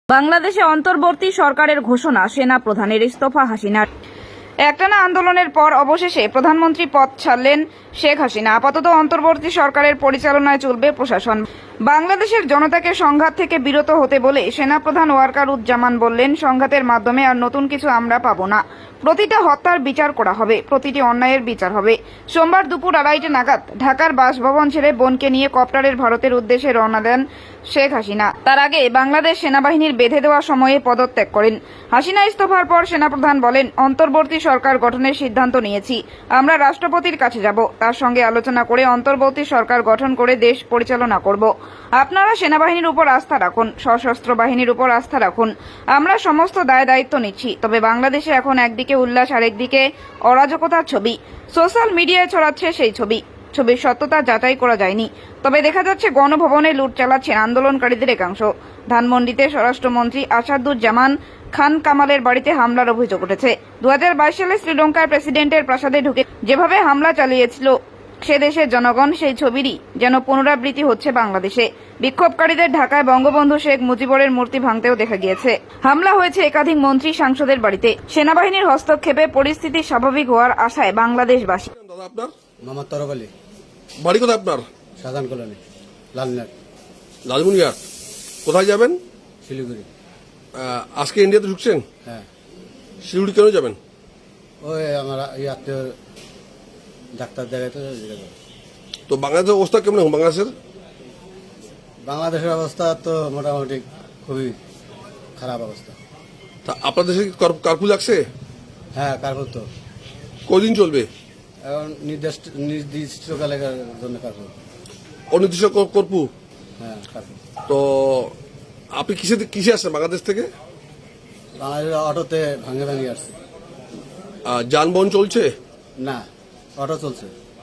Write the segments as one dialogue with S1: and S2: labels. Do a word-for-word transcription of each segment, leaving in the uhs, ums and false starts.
S1: বাংলাদেশে অন্তর্বর্তী সরকারের ঘোষণা, সেনা প্রধানের ইস্তফা হাসিনার। একটানা আন্দোলনের পর অবশেষে প্রধানমন্ত্রী পদ ছাড়লেন শেখ হাসিনা। আপাতত অন্তর্বর্তী সরকারের পরিচালনায় চলবে প্রশাসন। বাংলাদেশের জনতাকে সংঘাত থেকে বিরত হতে বলে সেনাপ্রধান ওয়াকারুজ্জামান বললেন, সংঘাতের মাধ্যমে আর নতুন কিছু আমরা পাবো না। প্রতিটা হত্যার বিচার করা হবে, প্রতিটি অন্যায়ের বিচার হবে। সোমবার দুপুর আড়াইটে নাগাদ ঢাকার বাসভবন ছেড়ে বোনকে নিয়ে কপ্টারের ভারতের উদ্দেশ্যে রওনা দেন শেখ হাসিনা। তার আগে বাংলাদেশ সেনাবাহিনীর বেঁধে দেওয়া সময়ে পদত্যাগ করেন। হাসিনা ইস্তফার পর সেনাপ্রধান বলেন, অন্তর্বর্তী সরকার গঠনের সিদ্ধান্ত নিয়েছি। আমরা রাষ্ট্রপতির কাছে যাব, তার সঙ্গে আলোচনা করে অন্তর্বর্তী সরকার গঠন করে দেশ পরিচালনা করব। আপনারা সেনাবাহিনীর উপর আস্থা রাখুন, সশস্ত্র বাহিনীর উপর আস্থা রাখুন। আমরা সমস্ত দায় দায়িত্ব নিচ্ছি। তবে বাংলাদেশে এখন একদিকে উল্লাস আর একদিকে অরাজকতার ছবি সোশ্যাল মিডিয়ায় ছড়াচ্ছে। সেই ছবি ছবির সত্যতা যাচাই করা যায়নি, তবে দেখা যাচ্ছে গণভবনে লুট চালাচ্ছেন আন্দোলনকারীদের একাংশ। ধানমন্ডিতে স্বরাষ্ট্রমন্ত্রী আসাদুজ্জামান খান কামালের বাড়িতে হামলার অভিযোগ উঠেছে। দু হাজার বাইশ সালে শ্রীলঙ্কার প্রেসিডেন্টের প্রাসাদে ঢুকে যেভাবে হামলা চালিয়েছিল সে দেশের জনগণ, সেই ছবিরই যেন পুনরাবৃত্তি হচ্ছে বাংলাদেশে। বিক্ষোভকারীদের ঢাকায় বঙ্গবন্ধু শেখ মুজিবুরের মূর্তি ভাঙতেও দেখা গিয়েছে। হামলা হয়েছে একাধিক মন্ত্রী সাংসদের বাড়িতে। সেনাবাহিনীর হস্তক্ষেপে পরিস্থিতি স্বাভাবিক হওয়ার আশায় বাংলাদেশবাসী।
S2: দাদা আপনার
S3: মোহাম্মদ তরফ আলী,
S2: বাড়ি কোথায় আপনার?
S3: শাহজাহান কলোনি, লালনাট,
S2: লালমনিরহাট। কোথায় যাবেন?
S3: শিলিগুড়ি।
S2: আহ, আজকে ইন্ডিয়াতে ঢুকছেন?
S3: হ্যাঁ।
S2: শিলিগুড়ি কেন যাবেন?
S3: ওই আমার এই আত্মীয় ডাক্তার দেখাইতে।
S2: তো বাংলাদেশের অবস্থা কেমন এখন? বাংলাদেশের
S3: বাংলাদেশের অবস্থা তো মোটামুটি খুবই খারাপ অবস্থা।
S2: তা আপনার দেশে কি কার- কারফিউ লাগছে?
S3: হ্যাঁ, কারফিউ তো
S2: কদিন চলবে?
S3: এখন নির্দিষ্ট নির্দিষ্টকালের জন্য কারফিউ।
S2: অনির্দিষ্ট কর- কারফিউ।
S3: হ্যাঁ, কারফিউ।
S2: তো আপনি কিসে কিসে আসছেন বাংলাদেশ থেকে?
S3: বাংলাদেশের অটোতে ভাঙে ভাঙে আসছে।
S2: আহ, যানবাহন চলছে?
S3: না, অটো চলছে,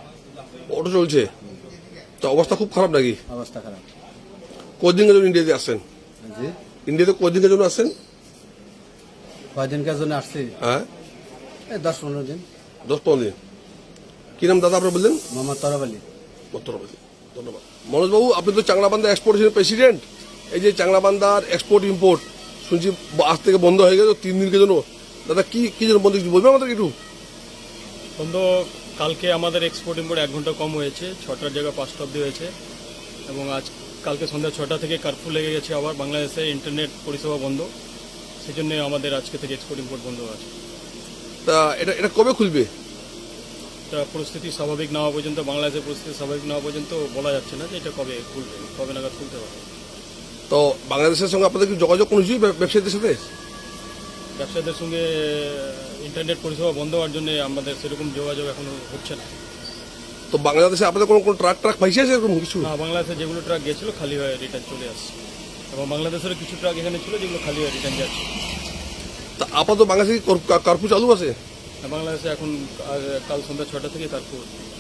S2: অটো চলছে। তো অবস্থা খুব খারাপ নাকি?
S3: অবস্থা খারাপ।
S2: কদিনের জন্য ইন্ডিয়াতে আসছেন?
S3: জি।
S2: ইন্ডিয়াতে কদিনের জন্য আসছেন?
S3: কয়দিনকার জন্য আসছি?
S2: হ্যাঁ,
S3: এই দশ পনেরো দিন।
S2: দশ পনেরো দিন। কি নাম দাদা আপনার বললেন?
S3: মোহাম্মদ তরফ আলী।
S2: উত্তরপ্রদেশ। ধন্যবাদ। মনোজবাবু, আপনি তো চাংলাবান্ধা এক্সপোর্টেশনের প্রেসিডেন্ট। এই যে চাংলাবান্ধার এক্সপোর্ট ইম্পোর্ট শুনছি আজ থেকে বন্ধ হয়ে গেল তিন দিনের জন্য। দাদা কি কি জন্য বন্ধ কিছু বলবেন আমাদের একটু?
S4: বন্ধ কালকে আমাদের এক্সপোর্ট ইম্পোর্ট এক ঘন্টা কম হয়েছে, ছটার জায়গায় পাঁচটা অব্দি হয়েছে। এবং আজ কালকে সন্ধ্যা ছটা থেকে কার্ফিউ লেগে গেছে। আবার বাংলাদেশে ইন্টারনেট পরিষেবা বন্ধ, সেই জন্য আমাদের আজকে থেকে এক্সপোর্ট ইম্পোর্ট বন্ধ আছে।
S2: তা এটা এটা কবে খুলবে?
S4: এটা পরিস্থিতি স্বাভাবিক না হওয়া পর্যন্ত, বাংলাদেশের পরিস্থিতি স্বাভাবিক না হওয়া পর্যন্ত বলা যাচ্ছে না যে এটা কবে খুলবে, কবে নাগাদ খুলতে পারবে।
S2: তো বাংলাদেশের সঙ্গে আপনাদের কি যোগাযোগ কোনো কিছুই ব্যবসায়ীদের সাথে?
S4: ব্যবসায়ীদের সঙ্গে ইন্টারনেট পরিষেবা বন্ধ হওয়ার জন্য আমাদের সেরকম যোগাযোগ এখনো হচ্ছে না।
S2: তো বাংলাদেশে আপনাদের কোনো কোনো ট্রাক ট্রাক ফাইসে আছে এরকম কিছু?
S4: না, বাংলাদেশে যেগুলো ট্রাক গেছিল খালি হয়ে রিটার্ন চলে আসছে, এবং বাংলাদেশের কিছু ট্রাক এখানে ছিল যেগুলো খালি হয়ে রিটার্ন যাচ্ছে।
S2: তা আপাতত বাংলাদেশে কি কর- কারফিউ চালু আছে?
S4: বাংলাদেশে এখন আর কাল সন্ধ্যা ছটা থেকে তারপর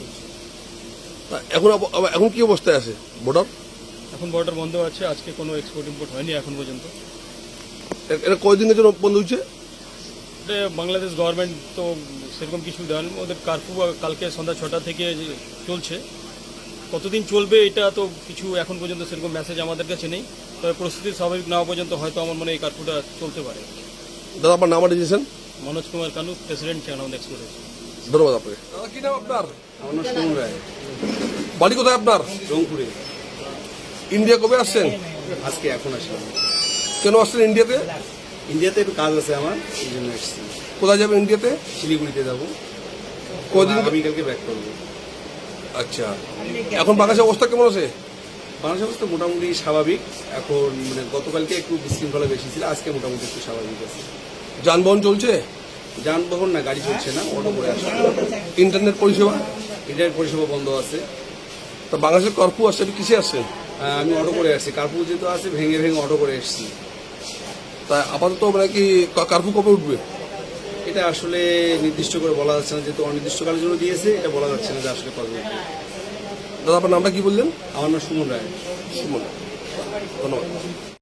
S2: তা এখন আব- আব- এখন কি অবস্থায় আছে বর্ডার?
S4: এখন বর্ডার বন্ধ আছে। আজকে কোনো এক্সপোর্ট ইম্পোর্ট হয়নি এখন পর্যন্ত।
S2: এ- এটা কয়দিনের জন্য বন্ধ হচ্ছে?
S4: এটা বাংলাদেশ গভর্নমেন্ট তো সেরকম কিছু দেন, ওদের কার্ফিউ কালকে সন্ধ্যা ছটা থেকে যে চলছে। কতদিন চলবে এটা তো কিছু এখন পর্যন্ত সেরকম মেসেজ আমাদের কাছে নেই। তবে পরিস্থিতি স্বাভাবিক না হওয়া পর্যন্ত হয়তো আমার মনে হয় এই কার্ফিউটা চলতে পারে।
S2: দাদা আপনার নাম দিয়েছেন?
S4: Manoj Kumar Kanu, president channel export.
S2: ধন্যবাদ আপনাকে। দাদা কি নাম আপনার?
S3: আমার নাম সুমন রায়,
S2: বাড়ি কোথায় আপনার?
S3: রংপুরে।
S2: ইন্ডিয়া কবে আসছেন?
S3: আজকে এখন আসলাম।
S2: কেন আসছেন ইন্ডিয়াতে?
S3: ইন্ডিয়াতে একটু কাজ আছে আমার, এই জন্য এসেছি।
S2: কোথায় যাবেন ইন্ডিয়াতে?
S3: শিলিগুড়িতে যাবো।
S2: কদিন?
S3: আগামীকালকে ব্যাক করবো।
S2: আচ্ছা, এখন বাংলাদেশের অবস্থা কেমন আছে?
S3: বাংলাদেশ অবস্থা মোটামুটি স্বাভাবিক। এখন মানে গতকালকে একটু বিশৃঙ্খলা বেশি ছিল, আজকে মোটামুটি একটু স্বাভাবিক আছে।
S2: যানবাহন চলছে?
S3: যানবাহন না, গাড়ি চলছে না, অটো করে আসা।
S2: ইন্টারনেট পরিষেবা?
S3: ইন্টারনেট পরিষেবা বন্ধ আছে।
S2: তা বাংলাদেশের কারফিউ আসছে, আপনি কিসে আসছেন?
S3: আহ, আমি অটো করে আসছি, কার্ফিউ যেহেতু আছে ভেঙে ভেঙে অটো করে এসেছি।
S2: তা আপাতত মানে কি কা- কারফিউ কবে উঠবে?
S3: এটা আসলে নির্দিষ্ট করে বলা যাচ্ছে না, যেহেতু অনির্দিষ্টকালের জন্য দিয়েছে, এটা বলা যাচ্ছে না যে আসলে কবে উঠবে।
S2: দাদা আপনার নামটা কি বললেন?
S3: আমার নাম সুমন রায়।
S2: সুমন। ধন্যবাদ।